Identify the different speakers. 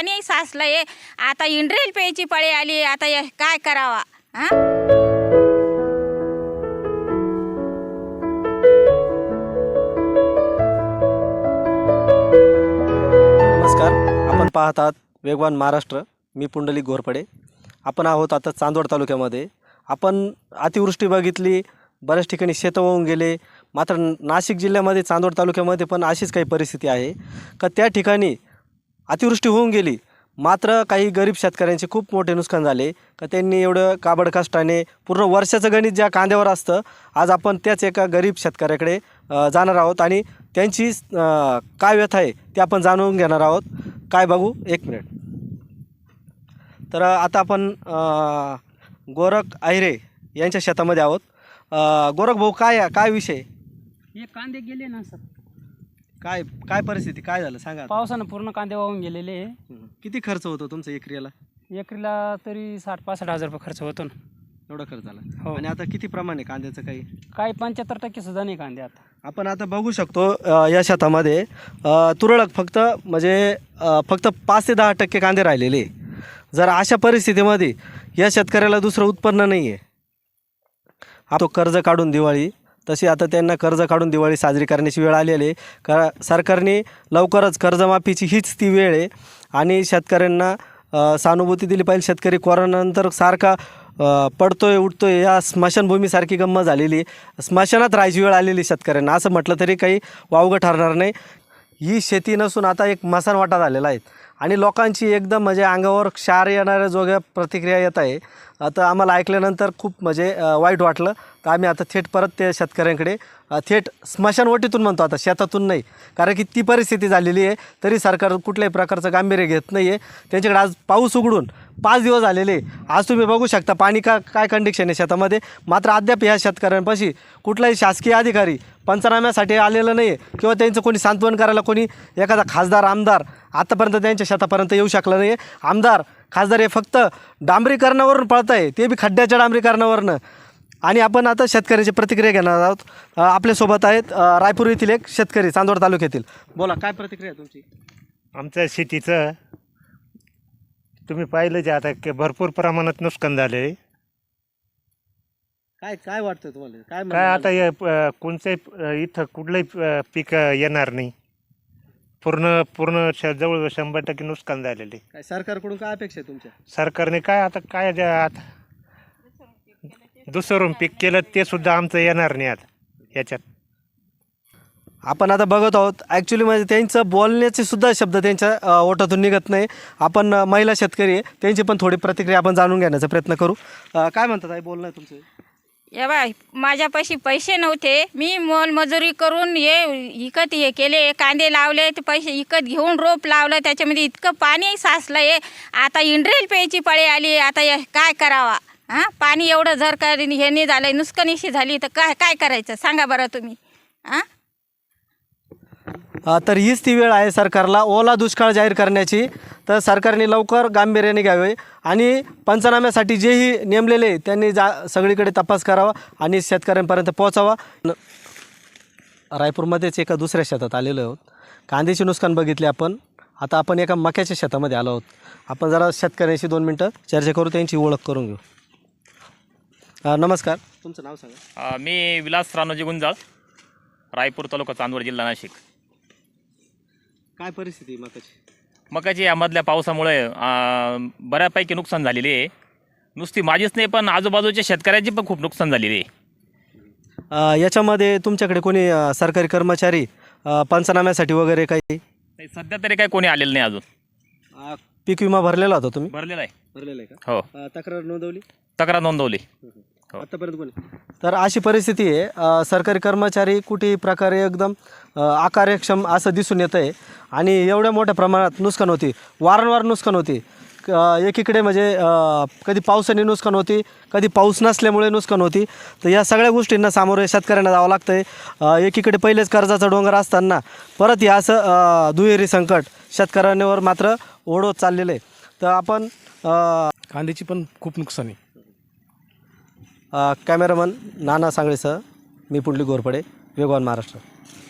Speaker 1: पाणी साचलं आहे. आता इंड्रेल प्यायची पाळी आली. आता काय करावा?
Speaker 2: नमस्कार, आपण पाहत आहात वेगवान महाराष्ट्र. मी पुंडलिक घोरपडे. आपण आहोत आता चांदवड तालुक्यामध्ये. आपण अतिवृष्टी बघितली, बऱ्याच ठिकाणी शेतं वाहून गेले. मात्र नाशिक जिल्ह्यामध्ये चांदवड तालुक्यामध्ये पण अशीच काही परिस्थिती आहे का त्या ठिकाणी अतिवृष्टी होऊन गेली, मात्र काही गरीब शेतकऱ्यांचे खूप मोठे नुकसान झाले का त्यांनी एवढं काबड कष्टाने पूर्ण वर्षाचं गणित ज्या कांद्यावर असतं, आज आपण त्याच एका गरीब शेतकऱ्याकडे जाणार आहोत आणि त्यांची काय व्यथा आहे ते आपण जाणून घेणार आहोत. काय बघू, एक मिनिट. तर आता आपण गोरख आहिरे यांच्या शेतामध्ये आहोत. गोरख भाऊ, काय विषय?
Speaker 3: हे कांदे गेले ना सर,
Speaker 2: काय परिस्थिती, काय झालं सांगा.
Speaker 3: पावसानं पूर्ण कांदे वाहून गेलेले.
Speaker 2: किती खर्च होतो तुमचा एकरीला?
Speaker 3: एकरीला तरी 60-65 हजार रुपये खर्च होतो ना.
Speaker 2: एवढा खर्च झाला?
Speaker 3: हो.
Speaker 2: आणि आता किती प्रमाण आहे कांद्याचं? काही
Speaker 3: 75% सुद्धा नाही कांदे आता.
Speaker 2: आपण आता बघू शकतो या शेतामध्ये तुरळक फक्त 5 ते 10% कांदे राहिलेले. जर अशा परिस्थितीमध्ये या शेतकऱ्याला दुसरं उत्पन्न नाही आहे, तो कर्ज काढून दिवाळी, तशी आता त्यांना कर्ज काढून दिवाळी साजरी करण्याची वेळ आलेली आहे. का सरकारने लवकरच कर्जमाफीची हीच ती वेळ आहे आणि शेतकऱ्यांना सहानुभूती दिली पाहिजे. शेतकरी कोरोनानंतर सारखा पडतोय उठतोय, या स्मशानभूमीसारखी गंमत झालेली. स्मशानात राहायची वेळ आलेली शेतकऱ्यांना, असं म्हटलं तरी काही वावगं ठरणार नाही. ही शेती नसून आता एक मसानवाटा झालेला आहे आणि लोकांची एकदम म्हणजे अंगावर क्षार येणाऱ्या जोग्या प्रतिक्रिया येत आहे. आता आम्हाला ऐकल्यानंतर खूप वाईट वाटलं. तर आम्ही आता थेट परत त्या शेतकऱ्यांकडे थेट स्मशानवटीतून म्हणतो, आता शेतातून नाही, कारण की ती परिस्थिती झालेली आहे. तरी सरकार कुठल्याही प्रकारचं गांभीर्य घेत नाही आहे. त्यांच्याकडे आज पाऊस उघडून 5 दिवस झालेले. आज तुम्ही बघू शकता पाणी काय कंडिशन आहे शेतामध्ये. मात्र अद्याप ह्या शेतकऱ्यांपाशी कुठलाही शासकीय अधिकारी पंचनाम्यासाठी आलेलं नाही आहे किंवा त्यांचं कोणी सांत्वन करायला कोणी एखादा खासदार आमदार आतापर्यंत त्यांच्या शेतापर्यंत येऊ शकलं नाही आहे. आमदार खासदार हे फक्त डांबरीकरणावरून पळत आहे, ते बी खड्ड्याच्या डांबरीकरणावरनं. आणि आपण आता शेतकऱ्याची प्रतिक्रिया घेणार आहोत. आपल्यासोबत आहेत रायपूर येथील एक शेतकरी, चांदवड तालुक्यातील. बोला, काय प्रतिक्रिया तुमची?
Speaker 4: आमच्या शेतीचं तुम्ही पाहिलं जे आता भरपूर प्रमाणात नुकसान झाले.
Speaker 2: काय वाटतं तुम्हाला?
Speaker 4: काय आता कोणत्याही इथं कुठलंही पीक येणार नाही. पूर्ण जवळ 100% नुकसान झालेले.
Speaker 2: काय सरकारकडून काय अपेक्षा आहे तुमच्या?
Speaker 4: सरकारने काय आता दुसरं पीक केलं ते सुद्धा आमचं येणार नाही आता याच्यात.
Speaker 2: आपण आता बघत आहोत ॲक्च्युली म्हणजे त्यांचं बोलण्याचे सुद्धा शब्द त्यांच्या ओठातून निघत नाही. आपण महिला शेतकरी आहे, त्यांची पण थोडी प्रतिक्रिया आपण जाणून घेण्याचा प्रयत्न करू. काय म्हणतात आई, बोलणं तुमचं?
Speaker 1: या बाय, माझ्यापाशी पैसे नव्हते. मी मोलमजुरी करून इकत केले, कांदे लावले, ते पैसे इकत घेऊन रोप लावलं. त्याच्यामध्ये इतकं पाणी साचलं आहे. आता इंड्रेल प्यायची पाळी आली. आता काय करावा? पाणी एवढं जर का हे नाही झालं, नुकसानीशी झाली, तर काय करायचं सांगा बरं तुम्ही.
Speaker 2: तर हीच ती वेळ आहे सरकारला ओला दुष्काळ जाहीर करण्याची. तर सरकारने लवकर गांभीर्याने घ्यावे आणि पंचनाम्यासाठी जेही नेमलेले त्यांनी सगळीकडे तपास करावा आणि शेतकऱ्यांपर्यंत पोहोचावा. रायपूरमध्येच एका दुसऱ्या शेतात आलेलो आहोत. कांद्याचे नुकसान बघितले आपण. आता आपण एका मक्याच्या शेतामध्ये आलो आहोत. आपण जरा शेतकऱ्यांशी 2 मिनटं चर्चा करू, त्यांची ओळख करून घेऊ. नमस्कार, तुमचं नाव सांगा.
Speaker 5: मी विलास रानोजी गुंजाळ, रायपूर तालुका, चांदवड जिल्हा, नाशिक.
Speaker 2: काय परिस्थिती मकाची?
Speaker 5: मकाची यामधल्या पावसामुळे बऱ्यापैकी नुकसान झालेली आहे. नुसती माझीच नाही, पण आजूबाजूच्या शेतकऱ्यांची पण खूप नुकसान झालेली आहे.
Speaker 2: याच्यामध्ये तुमच्याकडे कोणी सरकारी कर्मचारी पंचनाम्यासाठी वगैरे काही?
Speaker 5: सध्या तरी काही कोणी आलेलं नाही अजून.
Speaker 2: पीक विमा भरलेला होता तुम्ही?
Speaker 5: भरलेला आहे.
Speaker 2: भरलेला आहे का?
Speaker 5: हो,
Speaker 2: तक्रार नोंदवली?
Speaker 5: तक्रार नोंदवली.
Speaker 2: आतापर्यंत कोणी? तर अशी परिस्थिती आहे. सरकारी कर्मचारी कुठेही प्रकारे एकदम अकार्यक्षम असं दिसून येतं आहे आणि एवढ्या मोठ्या प्रमाणात नुकसान होती, वारंवार नुकसान होती. एकीकडे कधी पावसाने नुकसान होती, कधी पाऊस नसल्यामुळे नुकसान होती. तर या सगळ्या गोष्टींना सामोरे शेतकऱ्यांना जावं लागतं आहे. एकीकडे पहिलेच कर्जाचा डोंगर असताना परत हे असं दुहेरी संकट शेतकऱ्यांवर मात्र ओढवत चाललेलं आहे. तर आपण
Speaker 6: कांद्याची पण खूप नुकसान आहे.
Speaker 2: कॅमेरामन नाना सांगळेसह मी पुंडलिक घोरपडे, वेगवान महाराष्ट्र.